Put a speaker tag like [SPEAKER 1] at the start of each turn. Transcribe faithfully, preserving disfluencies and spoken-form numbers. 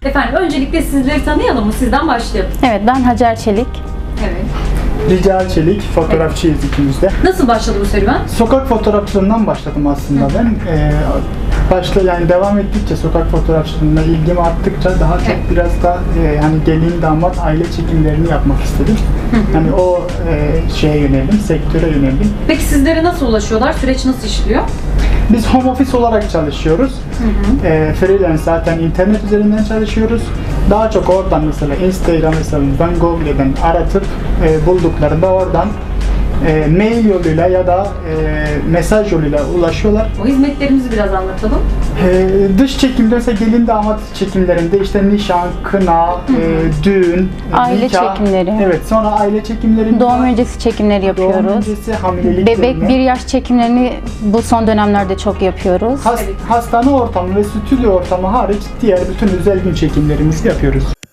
[SPEAKER 1] Efendim öncelikle sizleri tanıyalım mı? Sizden başlayalım.
[SPEAKER 2] Evet, ben Hacer Çelik.
[SPEAKER 1] Evet.
[SPEAKER 3] Rica Çelik, fotoğrafçıyız ikimiz de.
[SPEAKER 1] Nasıl başladı bu serüven?
[SPEAKER 3] Sokak fotoğrafçılığından başladım aslında ben. Ee, başta yani devam ettikçe sokak fotoğrafçılığına ilgimi arttıkça daha çok
[SPEAKER 1] Evet.
[SPEAKER 3] biraz da e, hani gelin damat aile çekimlerini yapmak istedim. Hani o e, şeye yöneldim, sektöre yöneldim.
[SPEAKER 1] Peki sizlere nasıl ulaşıyorlar? Süreç nasıl işliyor?
[SPEAKER 3] Biz home office olarak çalışıyoruz.
[SPEAKER 1] Hı hı.
[SPEAKER 3] E, freelance zaten internet üzerinden çalışıyoruz. Daha çok oradan mesela Instagram hesabımızdan, Google'den aratıp e, bulduklarında oradan e, mail yoluyla ya da e, mesaj yoluyla ulaşıyorlar.
[SPEAKER 1] O hizmetlerimizi biraz anlatalım.
[SPEAKER 3] E, dış çekimde mesela gelin damat çekimlerinde işte nişan, kına, e, düğün,
[SPEAKER 2] Aile
[SPEAKER 3] nikah.
[SPEAKER 2] çekimleri.
[SPEAKER 3] Evet, sonra aile çekimleri.
[SPEAKER 2] Doğum öncesi çekimleri yapıyoruz.
[SPEAKER 3] Doğum öncesi hamilelik
[SPEAKER 2] Bebek
[SPEAKER 3] dönemi.
[SPEAKER 2] bir yaş çekimlerini bu son dönemlerde çok yapıyoruz.
[SPEAKER 3] Has-
[SPEAKER 1] Evet.
[SPEAKER 3] Hastane ortamı ve stüdyo ortamı hariç diğer bütün özel gün çekimlerimizi yapıyoruz.